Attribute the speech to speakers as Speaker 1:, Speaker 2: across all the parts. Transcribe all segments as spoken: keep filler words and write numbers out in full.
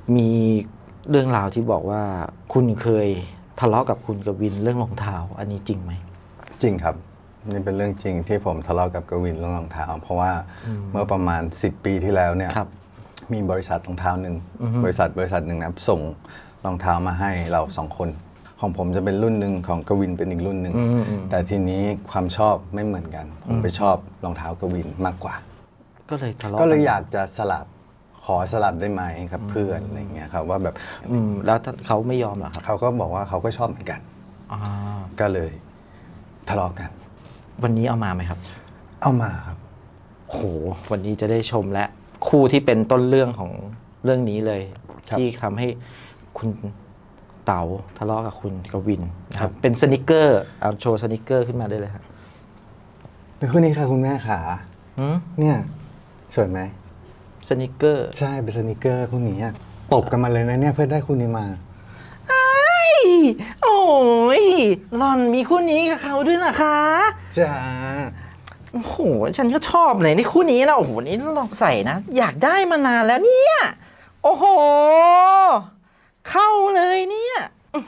Speaker 1: มีเรื่องราวที่บอกว่าคุณเคยทะเลาะกับคุณกวินเรื่องรองเท้าอันนี้จริงไหม
Speaker 2: จริงครับนี่เป็นเรื่องจริงที่ผมทะเลาะกับกวินเรื่องรองเท้าเพราะว่าเมื่อประมาณสิบปีที่แล้วเนี่ยมีบริษัทรองเท้าหนึ่งบริษัทบริษัทหนึ่งนะส่งรองเท้ามาให้เราสองคนของผมจะเป็นรุ่นหนึ่งของกวินเป็นอีกรุ่นหนึ่งแต่ทีนี้ความชอบไม่เหมือนกันผมไปชอบรองเท้ากวินมากกว่า
Speaker 1: ก็เลยทะเลาะ
Speaker 2: ก็เลยอยากจะสลับขอสลับได้ไหมครับเพื่อนอะไรเงี้ยครับว่าแบบ
Speaker 1: แล้วเขาไม่ยอมเหรอครับ
Speaker 2: เขาก็บอกว่าเขาก็ชอบเหมือนกันก็เลยทะเลาะกัน
Speaker 1: วันนี้เอามาไหมครับ
Speaker 2: เอามาครับ
Speaker 1: โหวันนี้จะได้ชมและคู่ที่เป็นต้นเรื่องของเรื่องนี้เลยที่ทำให้คุณเต๋าทะเลาะกับคุณกวินครับเป็นสนิเกอร์เอาโชว์สนิเกอร์ขึ้นมาได้เลยครับ
Speaker 2: เป็นคู่นี้ค่ะคุณแม่ขาเนี่ยสวยไหม
Speaker 1: สนิเกอร์
Speaker 2: ใช่เป็นสนิเกอร์คู่นี้ตบกันมาเลยนะเนี่ยเพื่อได้คู่นี้มา
Speaker 1: ไอ้โอ้ยหล่อนมีคู่นี้กับเขาด้วยนะคะ
Speaker 2: จ้า
Speaker 1: โอ้โหฉันก็ชอบเลยนี่คู่นี้นะโอ้โหนี่ลองใส่นะอยากได้มานานแล้วเนี่ยโอ้โหเข้าเลยเนี่ย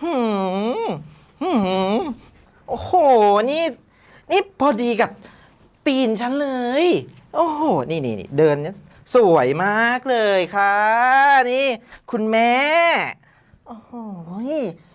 Speaker 1: โอ้โหนี่นี่พอดีกับตีนฉันเลยโอ้โหนี่นี่นี่เดินเนี่ยสวยมากเลยค่ะนี่คุณแม่โอ้โห